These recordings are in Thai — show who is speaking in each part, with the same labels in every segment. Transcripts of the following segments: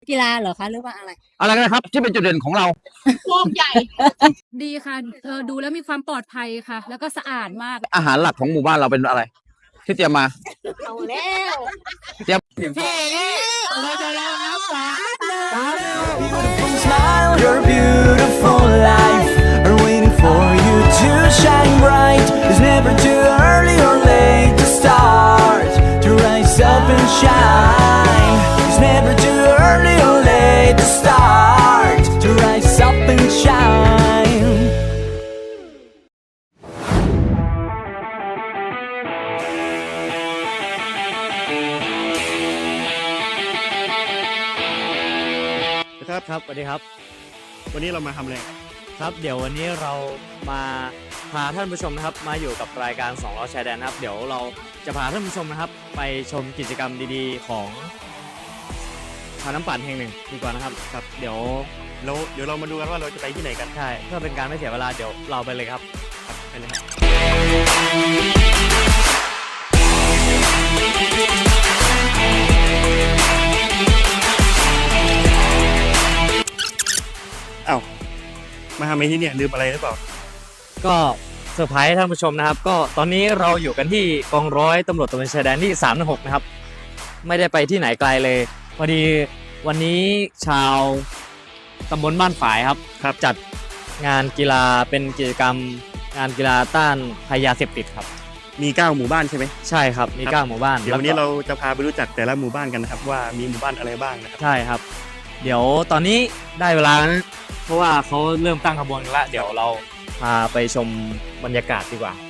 Speaker 1: กีฬาเหรอคะหรือว่าอะไร
Speaker 2: กันนะครับที่เป็นจุดเด่นของเรา
Speaker 3: วงใหญ่
Speaker 4: ดีค่ะดูแล้วมีความปลอดภัยค่ะแล้วก็สะอาดมาก
Speaker 2: อาหารหลักของหมู่บ้านเราเป็นอะไรที่เตรียมมา
Speaker 3: เอาแล้ว
Speaker 2: เตรียม
Speaker 5: Beautiful smile, your beautiful life are waiting for you to shine bright. It's never too early or late to start to rise up and shine. It's never too early or late to start to rise up and shine.
Speaker 6: ครับสวัสดีครับ
Speaker 7: วันนี้เรามาทำอะไร
Speaker 6: ครับเดี๋ยววันนี้เรามาพาท่านผู้ชมนะครับมาอยู่กับรายการ2ล้อชายแดนนะครับเดี๋ยวเราจะพาท่านผู้ชมนะครับไปชมกิจกรรมดีๆของทางน้ำปั่นแห่งหนึ่งดีกว่านะครับครับเดี๋ยว
Speaker 7: เรามาดูกันว่าเราจะไปที่ไหนกัน
Speaker 6: ใช่เพื่อเป็นการไม่เสียเวลาเดี๋ยวเราไปเลยครับไปเลยครับ
Speaker 7: มาทำไมที่เนี่ยลืมอะไรหรือเปล่า
Speaker 6: ก็เซอร์ไพรส์ท่านผู้ชมนะครับก็ตอนนี้เราอยู่กันที่กองร้อยตำรวจตระเวนชายแดนที่316นะครับไม่ได้ไปที่ไหนไกลเลยพอดีวันนี้ชาวตำบลบ้านฝายครับจัดงานกีฬาเป็นกิจกรรมงานกีฬาต้านภัยยาเสพติดครับ
Speaker 7: มี9หมู่บ้านใช่ไหม
Speaker 6: ใช่ครับมี9หมู่บ้าน
Speaker 7: เดี๋ยววันนี้เราจะพาไปรู้จักแต่ละหมู่บ้านกันนะครับว่ามีหมู่บ้านอะไรบ้างนะครับ
Speaker 6: ใช่ครับเดี๋ยวตอนนี้ได้เวลาเพราะว่าเขาเริ่มตั้งขบวนกันแล้วเดี๋ยวเราพาไปชมบรรยากาศดีกว่า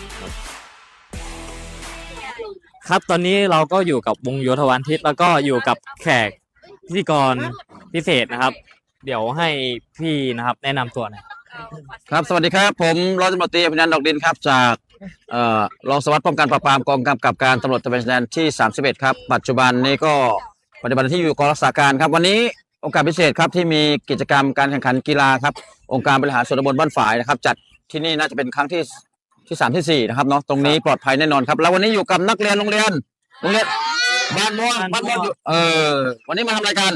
Speaker 6: ครับตอนนี้เราก็อยู่กับวงโยธวาทิตแล้วก็อยู่กับแขกพิธีกรพิเศษนะครับเดี๋ยวให้พี่นะครับแนะนำตัวหน่อย
Speaker 2: ครับสวัสดีครับผมร้อยตำรวจตรีอภินันท์ดอกดินครับจากรองสารวัสดิ์ป้องกันปราบปรามกองกำกับการตำรวจตระเวนชายแดนที่31ครับปัจจุบันนี้ก็ปฏิบัติหน้าที่อยู่กองรักษาการครับวันนี้โอกาสพิเศษครับที่มีกิจกรรมการแข่งขันกีฬาครับองค์การบริหารส่วนตำบลบ้านฝายนะครับจัดที่นี่น่าจะเป็นครั้งที่3ที่4นะครับเนาะตรงนี้ปลอดภัยแน่นอนครับแล้ววันนี้อยู่กับนักเรียนโรงเรียนบ้านม่วงวันนี้มาทำอะไรกัน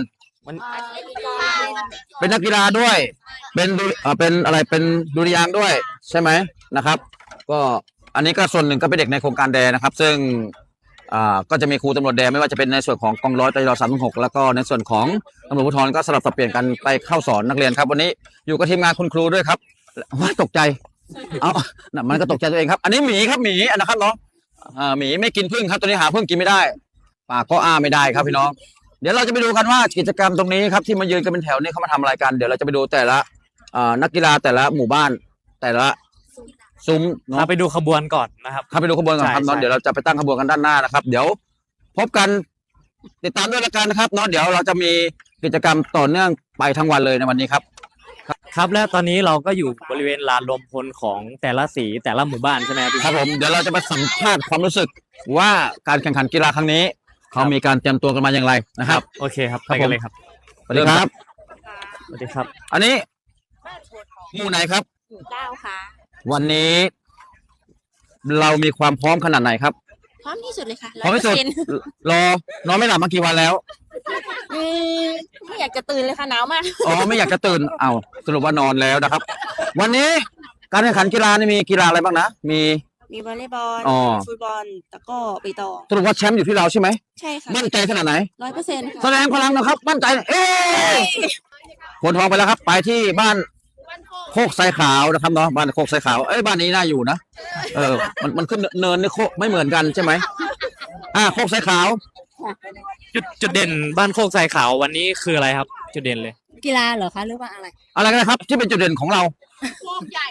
Speaker 2: เป็นนักกีฬาด้วยเป็นอะไรเป็นดุริยางค์ด้วยใช่ไหมนะครับก็อันนี้ก็ส่วนหนึ่งก็เป็นเด็กในโครงการแดนะครับซึ่งก็จะมีครูตำรวจแดไม่ว่าจะเป็นในส่วนของกองร้อยตร316แล้วก็ในส่วนของตำรวจภูธรก็สลับสับเปลี่ยนกันไปเข้าสอนนักเรียนครับวันนี้อยู่กับทีมงานคุณครูด้วยครับว้าตกใจมันก็ตกใจตัวเองครับอันนี้หมีครับหมีนะครับเนาะหมีไม่กินผึ้งครับตัวนี้หาผึ้งกินไม่ได้ปากก็อ้าไม่ได้ครับพี่น้องเดี๋ยวเราจะไปดูกันว่ากิจกรรมตรงนี้ครับที่มายืนกันเป็นแถวนี้เขามาทำอะไรกันเดี๋ยวเราจะไปดูแต่ละนักกีฬาแต่ละหมู่บ้านแต่ละซุ้มเนาะ
Speaker 6: ไปดูขบวนก่อนนะครับ
Speaker 2: ไปดูขบวนก่อนครับเนาะเดี๋ยวเราจะไปตั้งขบวนกันด้านหน้านะครับเดี๋ยวพบกันติดตามด้วยละกันนะครับเนาะเดี๋ยวเราจะมีกิจกรรมต่อเนื่องไปทั้งวันเลยในวันนี้ครับ
Speaker 6: ครับและตอนนี้เราก็อยู่บริเวณลานรวมพลของแต่ละสีแต่ละหมู่บ้านใช่ไหม
Speaker 2: ครับผมเดี๋ยวเราจะมาสัมภาษณ์ความรู้สึกว่าการแข่งขันกีฬาครั้งนี้เขามีการเตรียมตัวกันมาอย่างไรนะครับ
Speaker 6: โอเคครับไปกันเลยครับ
Speaker 2: สวัสดีครับ
Speaker 6: สวัสดีครับ
Speaker 2: อันนี้หมู่ไหนครับ
Speaker 3: หมู่9ค่ะ
Speaker 2: วันนี้เรามีความพร้อมขนาดไหนครับ
Speaker 3: พร้อมที่สุดเลยค่ะ
Speaker 2: พร้อมที่สุดนอนไม่หลับมากี่วันแล้ว
Speaker 3: ไม่อยากจะตื่นเลยค่ะหนาวมาก
Speaker 2: ไม่อยากจะตื่นสรุปว่านอนแล้วนะครับวันนี้การแข่งขันกีฬานี่มีกีฬาอะไรบ้างนะมี
Speaker 3: วอลเลย์บอลฟุตบอลตะก้อไปตอง
Speaker 2: สรุปว่าแชมป์อยู่ที่เราใช่ไหม
Speaker 3: ใช่ค่ะ
Speaker 2: มั่นใจขนาดไหน
Speaker 3: 100%ค่ะ
Speaker 2: แสดงพลังนะครับมั่นใจคนทองไปแล้วครับไปที่บ้านโคกไซขาวนะครับเนาะบ้านโคกไซขาวบ้านนี้น่าอยู่นะมันขึ้นเนินนี่โคกไม่เหมือนกันใช่ไหมโคกไซขาว
Speaker 6: จุดเด่นบ้านโคกไซขาววันนี้คืออะไรครับจุดเด่นเลย
Speaker 1: กีฬาเหรอคะหรือว่าอะไร
Speaker 2: กันนะครับที่เป็นจุดเด่นของเรา
Speaker 3: วงใหญ่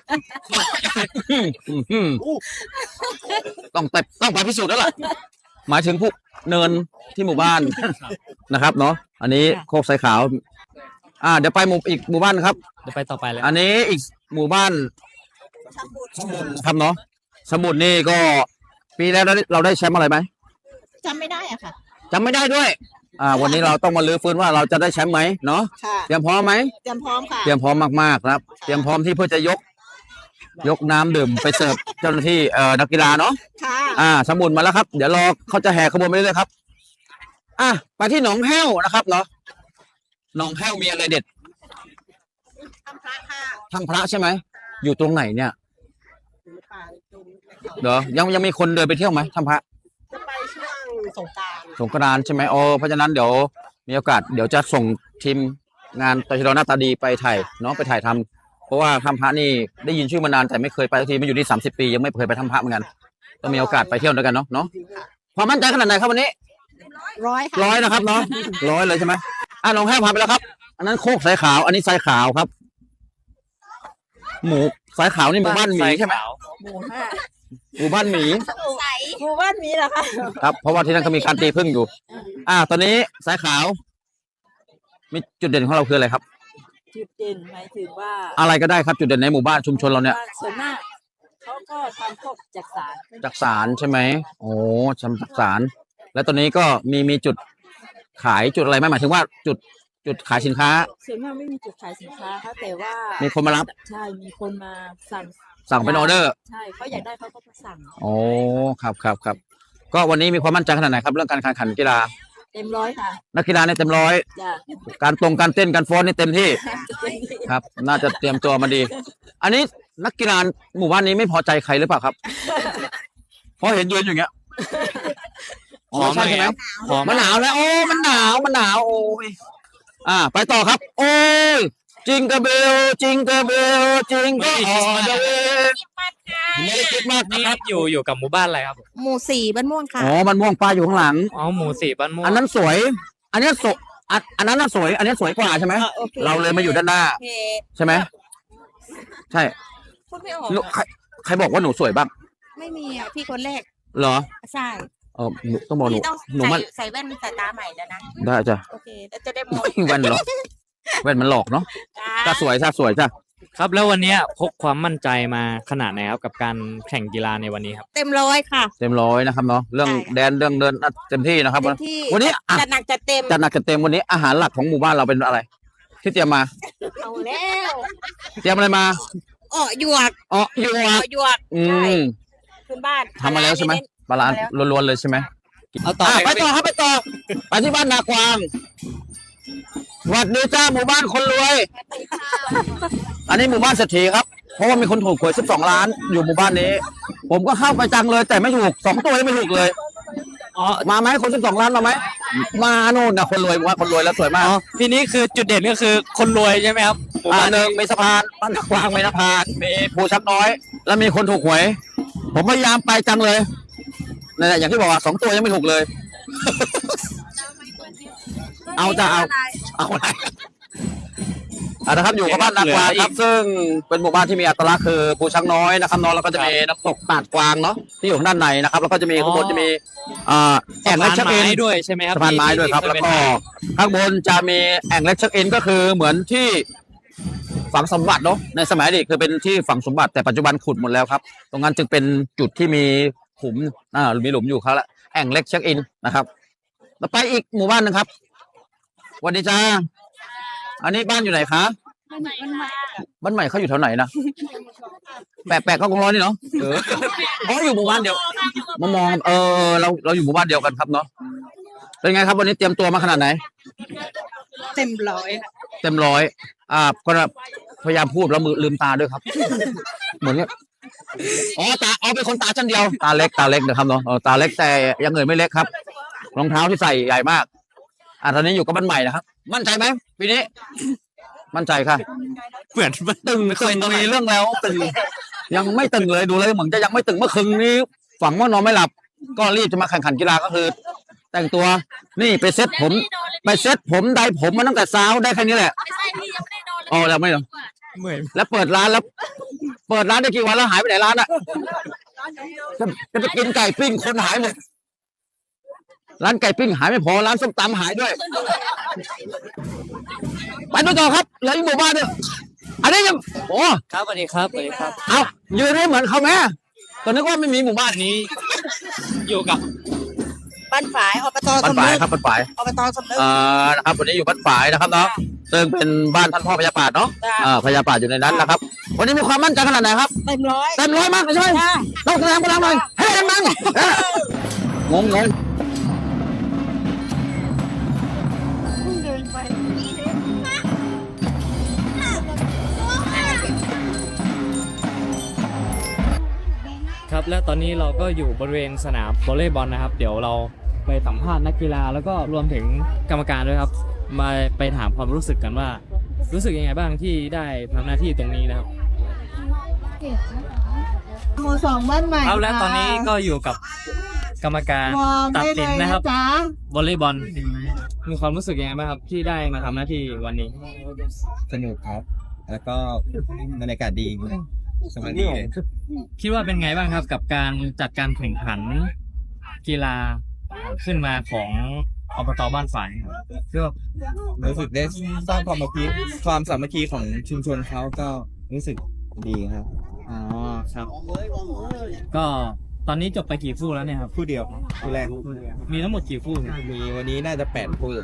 Speaker 2: ต้องไปพิสูจน์แล้วล่ะหมายถึงพวกเนินที่หมู่บ้านนะครับเนาะอันนี้โคกไซขาวเดี๋ยวไปอีกหมู่บ้านครับ
Speaker 6: เดี๋ยวไปต่อไปเลย
Speaker 2: อันนี้อีกหมู่บ้านครับเนาะสมุทรนี่ก็ปีแล้วเราได้แชมป์อะไรไหม
Speaker 3: จำไม่ได้อะค่ะ
Speaker 2: จำไม่ได้ด้วยวันนี้เราต้องมาลื้อฟื้นว่าเราจะได้แชมป์ไหมเนาะเตรียมพร้อมไหม
Speaker 3: เตรียมพร้อมค่ะ
Speaker 2: เตรียมพร้อมมากๆครับเตรียมพร้อมที่เพื่อจะยกน้ำดื่มไปเสิร์ฟเจ้าหน้าที่นักกีฬาเนาะ
Speaker 3: ค่ะ
Speaker 2: สมุทรมาแล้วครับเดี๋ยวรอเขาจะแห่ขบวนไปเรื่อยๆครับไปที่หนองแห้วนะครับเนาะหนองแห้วมีอะไรเด็ดทางพระใช่ไหมอยู่ตรงไหนเนี่ยเดี๋ยวยังมีคนเดินไปเที่ยวไหมทางพระ
Speaker 3: จะไปช่วงสงกรานต์
Speaker 2: สงกรานต์ใช่ไหมโอ้เพราะฉะนั้นเดี๋ยวมีโอกาสเดี๋ยวจะส่งทีมงานตชดหน้าตาดีไปถ่ายเนาะไปถ่ายทำเพราะว่าถ้ำพระนี่ได้ยินชื่อมานานแต่ไม่เคยไปสักทีไม่อยู่ที่30 ปียังไม่เคยไปถ้ำพระเหมือนกันต้องมีโอกาสไปเที่ยวด้วยกันเนาะความมั่นใจขนาดไหนครับวันนี้
Speaker 3: 100 ค่ะ
Speaker 2: 100นะครับเนาะ100เลยใช่ไหมน้องแห้วพาไปแล้วครับ อันนั้นโคกสายขาว อันนี้สายขาวครับ หมูสายขาวนี่หมู่บ้านหมีใช่ไหม
Speaker 3: หมู่ห้า
Speaker 2: หมู่บ้านหมี
Speaker 3: หมู่บ้านมีเหรอคะ
Speaker 2: ครับเพราะว่าที่นั่นเขามีการตีพึ่งอยู่ ตอนนี้สายขาว มีจุดเด่นของเราคืออะไรครับ
Speaker 3: จุดเด่นหมายถึงว่า
Speaker 2: อะไรก็ได้ครับจุดเด่นในหมู่บ้านชุมชนเราเนี่ย
Speaker 3: ส่วนมากเขาก็ทำพวกจักสาร
Speaker 2: จักสารใช่ไหมโอ้ทำจักสารแล้วตอนนี้ก็มีจุดขายจุดอะไรไหมหมายถึงว่าจุดขายสินค้า
Speaker 3: ส่วนมากไม่มีจุดขายสินค้าค่ะแต่ว่า
Speaker 2: มีคนมารับ
Speaker 3: ใช่มีคนมาสั่ง
Speaker 2: สั่งเป็นออเดอร์
Speaker 3: ใช่เขาอยากได้เขาก็มาสั่ง
Speaker 2: โอ้ครับก็วันนี้มีความมั่นใจขนาดไหนครับเรื่องการแข่งขันกีฬา
Speaker 3: เต็มร้อยค่ะ
Speaker 2: นักกีฬาเนี่ยเต็มร้อย
Speaker 3: จ้ะ
Speaker 2: การเต้นการฟ้อนนี่เต็มที่ ครับ น่าจะเตรียมตัวมาดี อันนี้นักกีฬาหมู่บ้านนี้ไม่พอใจใครหรือเปล่าครับ เพราะเห็นยืนอยู่อย่างเงี้ยอ๋อใช่ไหม มันหนาวแล้วโอ้มันหนาวโอ้ยไปต่อครับ โอ้ยจิงกระเบลจิงก็อ๋อเดเวไม่ได้คิดมาก
Speaker 6: นี่
Speaker 2: นะครับ
Speaker 6: อยู่กับหมู่บ้านอะไรครับ
Speaker 3: หมู่สี่บ้านม่วงค่ะ
Speaker 2: อ๋อมันม่วงปลาอยู่ข้างหลัง
Speaker 6: อ๋อหมู่4บ้านม่วง
Speaker 2: อันนั้นสวย อันนี้สวยอันนั้นน่ะสวย อันนี้สวยกว่าใช่ไหม
Speaker 3: โอค
Speaker 2: เราเลยมาอยู่ด้านหน้า
Speaker 3: โอเค
Speaker 2: ใช่ไหมใช่
Speaker 3: พูดไม่ออก
Speaker 2: ลูก
Speaker 3: อะ
Speaker 2: ใครบอกว่าหนูสวยบ้าง
Speaker 3: ไม่มีอ่ะพี่คนแรก
Speaker 2: เหรอ
Speaker 3: ใช่
Speaker 2: หนูต้องบอกหนู
Speaker 3: พี่ต้อง
Speaker 2: หนูมัน
Speaker 3: ใส่แว่นสายตาใหม่แล้วนะ
Speaker 2: ได้จ้ะ
Speaker 3: โอเคแล้วจะได้มอง
Speaker 2: แว่นหรอกแว่นมันหลอกเนาะ
Speaker 3: จ้า
Speaker 2: จ้าสวยจ้ะ
Speaker 6: ครับแล้ววันนี้พกความมั่นใจมาขนาดไหนครับกับการแข่งกีฬาในวันนี้ครับ
Speaker 3: เต็มร้อยค่ะ
Speaker 2: เต็มร้อยนะครับเนาะเรื่อง
Speaker 3: ใช่ค่ะ
Speaker 2: แดนเรื่องเดินเต็มที่นะครับ
Speaker 3: เต็มที่
Speaker 2: วันนี้อ่ะ
Speaker 3: จัดหนักจัดเต็ม
Speaker 2: จัดหนักจัดเต็มวันนี้อาหารหลักของหมู่บ้านเราเป็นอะไร ที่เตรียมมา
Speaker 3: เอาแล้ว
Speaker 2: เตรียมอะไรมา
Speaker 3: หยวก
Speaker 2: อ๋ออยู่
Speaker 3: หยวก
Speaker 2: อื
Speaker 3: ใช่
Speaker 2: ม
Speaker 3: พื้นบ้าน
Speaker 2: ทำมาแล้วใช่ไหมปลาร้าล้วนๆเลยใช่ไหม
Speaker 6: เอาต่อ
Speaker 2: ไปต่อครับไปต่อไปที่บ้านนากวางสวัสดีจ้าหมู่บ้านคนรวย อันนี้หมู่บ้านเศรษฐีครับเพราะว่ามีคนถูกหวย12 ล้านอยู่หมู่บ้านนี้ ผมก็เข้าไปจังเลยแต่ไม่ถูก2 ตัวยังไม่ถูกเลย
Speaker 6: อ๋อ
Speaker 2: มาไหมคน12 ล้านมาไหมมาโน่นนะคนรวยหมู่บ้านคนรวยแล้วสวยมาก
Speaker 6: ทีนี้คือจุดเด่นก็คือคนรวยใช่ไหมครับหมู่บ้าน
Speaker 2: หนึ่งมีสะพานบ้านนากวางมีสะพานมีภูชักน้อย แล้วมีคนถูกหวย ผมพยายามไปจังเลยนั่นแหละอย่างที่บอกว่า2 ตัวยังไม่ถูกเลย เอาจะเอาอะไรนะครับอยู่กับบ้านนากวางครับ ซึ่งเป็นหมู่บ้านที่มีอัตลักษณ์คือภูช้างน้อยนะครับเนาะแล้วก็จะมีน้ำตกตาดกวางเนาะที่อยู่ข้างด้านในนะครับ แล้วก็จะมีข้างบนจะมีแอ่งเล็กเช็คอิน
Speaker 6: สะพานไม้ด้วยใช่ไหมครับ
Speaker 2: สะพานไม้ด้วยครับ แล้วก็ข้างบนจะมีแอ่งเล็กเช็คอินก็คือเหมือนที่ฝังสมบัติเนาะในสมัยอดีตคือเป็นที่ฝังสมบัติแต่ปัจจุบันขุดหมดแล้วครับ ตรงนั้นจึงเป็นจุดที่มีขุมมีหลุมอยู่ครับแล้วแอ่งเล็กเช็คอินนะครับแล้วไปอีกหมู่บ้านหนึงครับสวัสดีจ้าอันนี้บ้านอยู่ไหนคะบ้านใหม่เขาอยู่แถวไหนนะแปะก็คงร้อยนี่เนาะอยู่หมู่บ้านเดียวมามองเราอยู่หมู่บ้านเดียวกันครับเนาะเป็นไงครับวันนี้เตรียมตัวมาขนาดไหน
Speaker 3: เต็มร้อย
Speaker 2: เต็มร้อยก็พยายามพูดแล้วมือลืมตาด้วยครับ เหมือนเนี้ยเป็นคนตาชั้นเดียวตาเล็กนะครับเนาะตาเล็กแต่อยังเงินไม่เล็กครับรองเท้าที่ใส่ใหญ่มากตอนนี้อยู่กับบ้านใหม่นะครับมั่นใจไหมปีนี้ มั่นใจค่ะ
Speaker 6: เหมือนมัน
Speaker 2: ตึงเคยมีเรื่องแล้วตึงยังไม่ตึงเลยดูเลยเหมือนจะยังไม่ตึงเมื่อคืนนี้ฝันว่านอนไม่หลับ ก็รีบจะมาแข่งขันกีฬาก็คือ แต่งตัวนี่ไปเซ็ตผมได้ผมมาตั้งแต่เช้าได้แค่นี้แหละแล้วไม่หรอ
Speaker 6: เหมือน
Speaker 2: แล้วเปิดร้านได้กี่วันแล้วหายไปไหนร้านอ่ะจะไปกินไก่ปิ้งคนหายหมดร้านไก่ปิ้งหายไม่พอร้านส้มตำหายด้วยไปดูต่อครับแล้วอีกหมู่บ้านเนี่ยอันนี้ยัง
Speaker 6: ครับสวัสดีครับสวัสดีครับ
Speaker 2: เอายืนให้เหมือนเขาแม่ตอนนี้ก็ไม่มีหมู่บ้านนี้
Speaker 6: อยู่กับ
Speaker 3: บ้านฝายอบต
Speaker 2: บ้าน
Speaker 3: สำ
Speaker 2: ฝาย
Speaker 3: นึก
Speaker 2: ครับบ้านฝาย
Speaker 3: อบตสำนึก
Speaker 2: นะครับวันนี้อยู่บ้านฝายนะครับเนาะซึ่งเป็นบ้านท่านพ่อพญาปาดเนาะ
Speaker 3: จ้ะ
Speaker 2: พญาปาดอยู่ในนั้นนะครับ วันนี้มีความมั่นใจขนาดไหนครับ
Speaker 3: เต็มร้อย
Speaker 2: เต็มร้อยมากเลยใช่ไหม
Speaker 3: จ้า
Speaker 2: ต้องแสดงพลังหน่อยให้ดังๆงง
Speaker 6: ครับและตอนนี้เราก็อยู่บริเวณสนามวอลเลย์บอลนะครับเดี๋ยวเราไปสัมภาษณ์นักกีฬาแล้วก็รวมถึงกรรมการด้วยครับมาไปถามความรู้สึกกันว่า รู้สึกยังไงบ้างที่ได้ทำหน้าที่ตรงนี้นะครับ
Speaker 8: หมู่สองบ้านใหม่
Speaker 6: ครับและตอนนี้ก็อยู่กับกรรมการ
Speaker 8: มอง
Speaker 6: ตัด
Speaker 8: ได้
Speaker 6: สิน
Speaker 8: เลย
Speaker 6: นะ
Speaker 8: นะครับ จ๊ะ
Speaker 6: วอลเลย์บอลมีความรู้สึกยังไงบ้างครับที่ได้มาทำหน้าที่วันนี้
Speaker 9: สนุกครับ แล้วก็บรรยากาศดีสบายดีเลย
Speaker 6: คิดว่าเป็นไงบ้างครับกับการจัดการแข่งขันกีฬาขึ้นมาของอบตบ้านฝายครับ
Speaker 9: ก็รู้สึกได้สร้างความสามัคคีของชุมชนเขาก็รู้สึกดีครับ
Speaker 6: อ๋อครับ ก็ตอนนี้จบไปกี่คู่แล้วเนี่ยครับ
Speaker 9: คู่เดียวคู่แรก
Speaker 6: มีทั้งหมดกี่คู่เนี่ย
Speaker 9: มีวันนี้น่าจะ8คู่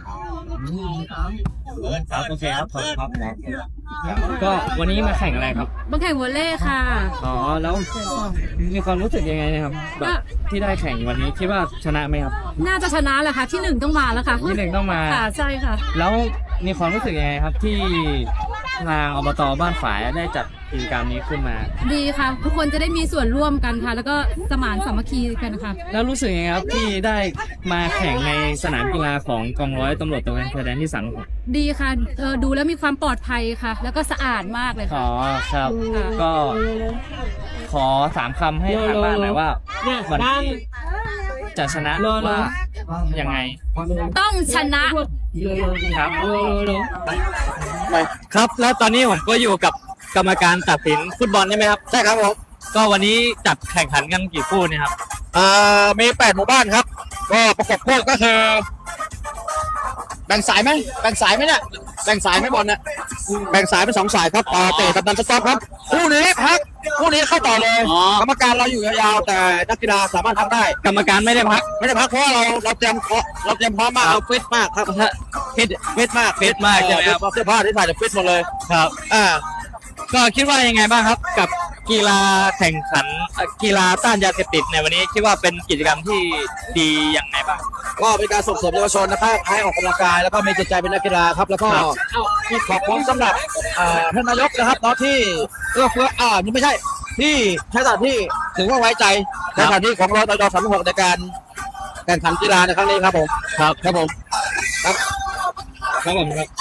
Speaker 6: ครับโอเคครับขอบคุณครับก็วันนี้มาแข่งอะไรครับ
Speaker 4: มาแข่งวอลเลย์ค่ะ
Speaker 6: อ๋อแล้วมีความรู้สึกยังไงนะครับแบบที่ได้แข่งวันนี้คิดว่าชนะไหมครับ
Speaker 4: น่าจะชนะแหละค่ะที่หนึ่งต้องมาแล้วค่ะ
Speaker 6: ที่หนึ่งต้องมา
Speaker 4: ค่ะใช่ค่ะ
Speaker 6: แล้วมีความรู้สึกยังไงครับที่ทางอบตบ้านฝายได้จัดกิจกรรมนี้ขึ้นมา
Speaker 4: ดีค่ะ ทุกคนจะได้มีส่วนร่วมกันค่ะ แล้วก็สมานสามัคคีกันค่ะ
Speaker 6: แล้วรู้สึกยังไงครับที่ได้มาแข่งในสนามกีฬาของกองร้อยตำรวจตระเวนชายแดนที่36
Speaker 4: ดีค่ะดูแล้วมีความปลอดภัยค่ะ แล้วก็สะอาดมากเลย
Speaker 6: อ๋
Speaker 4: ค่ะ
Speaker 6: อครับ
Speaker 4: ค่ะ
Speaker 6: ก็ขอ3 คำให้ทางบ้านหน่อยว่าวันนี้จะชนะว่ายังไง
Speaker 4: ต้องชนะครับ
Speaker 6: ครับแล้วตอนนี้ผมก็อยู่กับกรรมการตัดสินฟุตบอลใช่ไหมครับใช่ครับผมก็วันนี้จัดแข่งขันกันกี่คู่เนี่ยครับ
Speaker 2: มี8หมู่บ้านครับ ก็ประกบคู่ก็คือแบ่งสายไหมแบ่งสายไหมเนี่ยแบ่งสายไหมบอลเนี่ยแบ่งสายเป็น2 สายครับเตะกับดันสต็อปครับคู่นี้พักคู่นี้เข้าต่อเลย
Speaker 6: อ๋อ
Speaker 2: กรรมการเราอยู่ยาวๆแต่นักกีฬาสามารถทำได้
Speaker 6: กรรมการไม่ได้พัก
Speaker 2: ไม่ได้พักเพราะว่าเราเตรียมพร้อมมากเราฟิตมากครับฟิตมาก
Speaker 6: ฟิตมากใช่ไหมครับ
Speaker 2: เสื้อผ้าที่ใส่จะฟิตหมดเลย
Speaker 6: ครับ ก็คิดว่ายังไงบ้างครับกับกีฬาแข่งขันกีฬาต้านยาเสพติดในวันนี้คิดว่าเป็นกิจกรรมที่ดียังไงบ้าง
Speaker 2: ก็เป็นการส่งเสริมเยาวชนนะครับให้ออกกำลังกายแล้วก็มีจิตใจเป็นนักกีฬาครับแล้วก็ขอบคุณสำหรับท่านนายกนะครับเนาะที่เอื้อเฟื้อนี่ไม่ใช่ที่ใช้สถานที่ถือว่าไว้ใจในสถานที่ของเราตจ36ในการแข่งขันกีฬาในครั้งนี้ครับผมครับผมครับ
Speaker 6: ครับผมครับ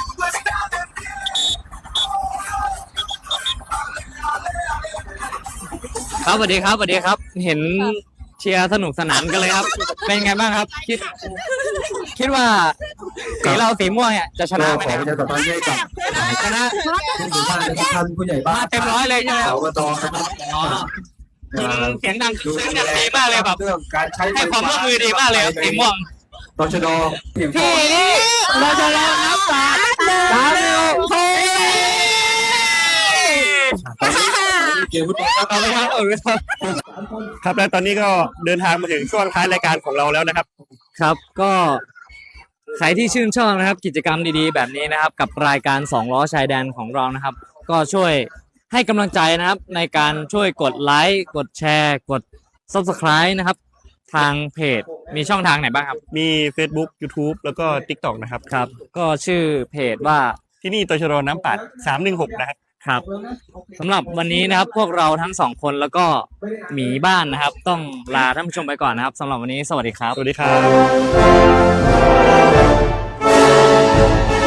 Speaker 6: ครับสวัสดีครับสวัสดีครับ เห็นเชียร์สนุกสนานกันเลยครับ เป็นไงบ้างครับ คิดว่าสีเราสีม่วงเนี่ยจะชนะไหมครับชนะมาเต็มร้อยเลยใช่ไหมครับอ๋อเสียงดังดีมากเลยแบบให้ความร่วมมือดีมากเลยครับสีม่วง
Speaker 9: ตชด
Speaker 6: พี่เราจะรอนับ3 2
Speaker 9: เกมฟุตบอลครับ
Speaker 7: ครับและตอนนี้ก็เดินทางมาถึงช่วงท้ายรายการของเราแล้วนะครับ
Speaker 6: ครับก็ใครที่ชื่นชอบนะครับกิจกรรมดีๆแบบนี้นะครับกับรายการ2 ล้อชายแดนของเรานะครับก็ช่วยให้กำลังใจนะครับในการช่วยกดไลค์กดแชร์กด Subscribe นะครับทางเพจมีช่องทางไหนบ้างครับ
Speaker 7: มี Facebook YouTube แล้วก็ TikTok นะครับ
Speaker 6: ครับก็ชื่อเพจว่า
Speaker 7: ที่นี่ตชดน้ำปัด316นะครับ
Speaker 6: ครับสำหรับวันนี้นะครับพวกเราทั้ง2 คนแล้วก็หมีบ้านนะครับต้องลาท่านผู้ชมไปก่อนนะครับสำหรับวันนี้สวัสดีครับ
Speaker 7: สวัสดีครับ